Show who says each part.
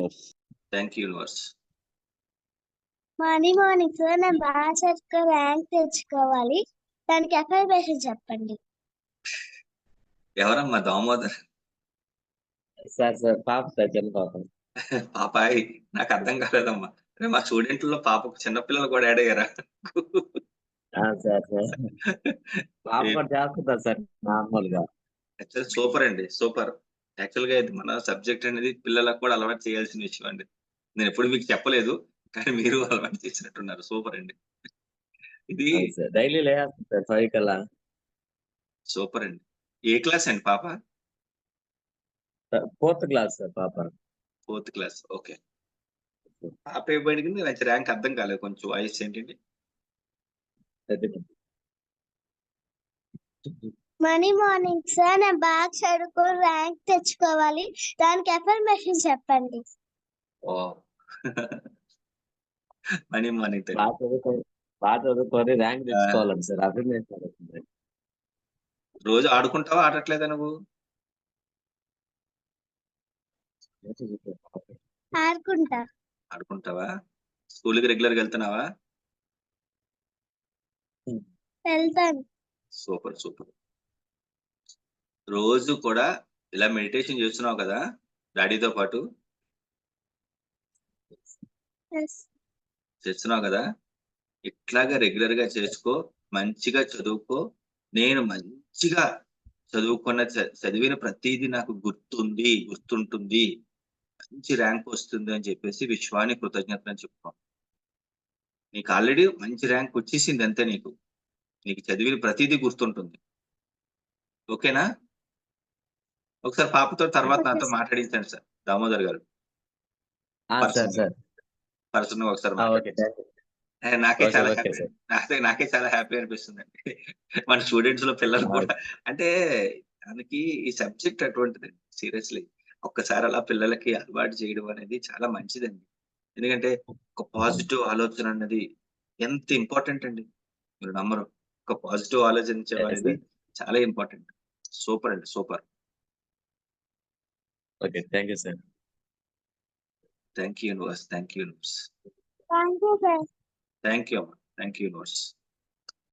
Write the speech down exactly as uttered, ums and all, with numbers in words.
Speaker 1: Universe.
Speaker 2: Thank you universe.
Speaker 3: Morning morning sir నేను బాగా చదువుకో ర్యాంక్ తెచ్చుకోవాలి, దానికి అఫర్మేషన్ చెప్పండి.
Speaker 2: ఎవరమ్మా దామోదర్?
Speaker 1: సార్ సార్ పాప సార్ చిన్న పాప.
Speaker 2: పాపాయ్ నాకు అర్థం కాలేదమ్మా. అరే మా స్టూడెంట్లలో పాప చిన్నపిల్లలు కూడా యాడ్ అయ్యారా?
Speaker 1: ఆ, సార్ సార్ పాప కూడా చేస్తుందా సార్ నార్మల్ గా.
Speaker 2: యాక్చువల్ సూపర్ అండి, సూపర్. యాక్చువల్ గా ఇది మన సబ్జెక్ట్ అనేది పిల్లలకు కూడా అలవాటు చేయాల్సిన విషయం అండి. నేను ఎప్పుడు మీకు చెప్పలేదు, కానీ మీరు అలవాటు చేసినట్టున్నారు. సూపర్ అండి ఇది.
Speaker 1: డైలీ లేస్తుంది సార్ ఫైవ్ కల్లా.
Speaker 2: సూపర్ అండి. ఏ క్లాస్ అండి పాప?
Speaker 1: ఫోర్త్ క్లాస్ సార్ పాప.
Speaker 2: Fourth class. ఓకే. పాప ఇవ్వబడింది మంచి ర్యాంక్ అర్థం కాలేదు, కొంచెం వాయిస్ ఏంటండి?
Speaker 3: మార్నింగ్ మార్నింగ్ సార్ నేను బాగా చదువుకో ర్యాంక్ తెచ్చుకోవాలి, దానికి అఫర్మేషన్ చెప్పండి.
Speaker 2: ఓ మనీ మార్నింగ్
Speaker 1: బాగా చదువుకొని బాగా చదువుకొని ర్యాంక్ తెచ్చుకోవాలండి సార్. అఫర్మేషన్
Speaker 2: రోజు ఆడుకుంటావా, ఆడట్లేదా నువ్వు?
Speaker 3: ఆడుకుంటా.
Speaker 2: ఆడుకుంటావా? స్కూల్కి రెగ్యులర్ గా వెళ్తున్నావా?
Speaker 3: వెళ్తాను.
Speaker 2: Super super. రోజు కూడా ఇలా మెడిటేషన్ చేస్తున్నావు కదా డాడీతో పాటు? చేస్తున్నావు కదా, ఇట్లాగా రెగ్యులర్ గా చేసుకో, మంచిగా చదువుకో. నేను మంచిగా చదువుకున్న చదివిన ప్రతిదీ నాకు గుర్తుంది, గుర్తుంటుంది, మంచి ర్యాంక్ వస్తుంది అని చెప్పేసి విశ్వాన్ని కృతజ్ఞతలు చెప్పుకో. నీకు ఆల్రెడీ మంచి ర్యాంక్ వచ్చేసింది అంతే. నీకు నీకు చదివిన ప్రతిదీ గుర్తుంటుంది. ఓకేనా? ఒకసారి పాపతో తర్వాత నాతో మాట్లాడించండి సార్ దామోదర్ గారు. పర్సన్ ఒకసారి నాకే చాలా హ్యాపీ, నాకే నాకే చాలా హ్యాపీ అనిపిస్తుంది అండి. మన స్టూడెంట్స్ లో పిల్లలు కూడా అంటే దానికి ఈ సబ్జెక్ట్ అటువంటిది. సీరియస్లీ ఒక్కసారి అలా పిల్లలకి అలవాటు చేయడం అనేది చాలా మంచిదండి. ఎందుకంటే ఒక పాజిటివ్ ఆలోచన అన్నది ఎంత ఇంపార్టెంట్ అండి, మీరు నమ్మరు. ఒక పాజిటివ్ ఆలోచించడం అనేది చాలా ఇంపార్టెంట్. సూపర్ అండి, super.
Speaker 1: Okay, thank you sir.
Speaker 2: Thank you universe. Thank you universe.
Speaker 3: Thank you sir.
Speaker 2: Thank you అమ్మా. Thank you universe.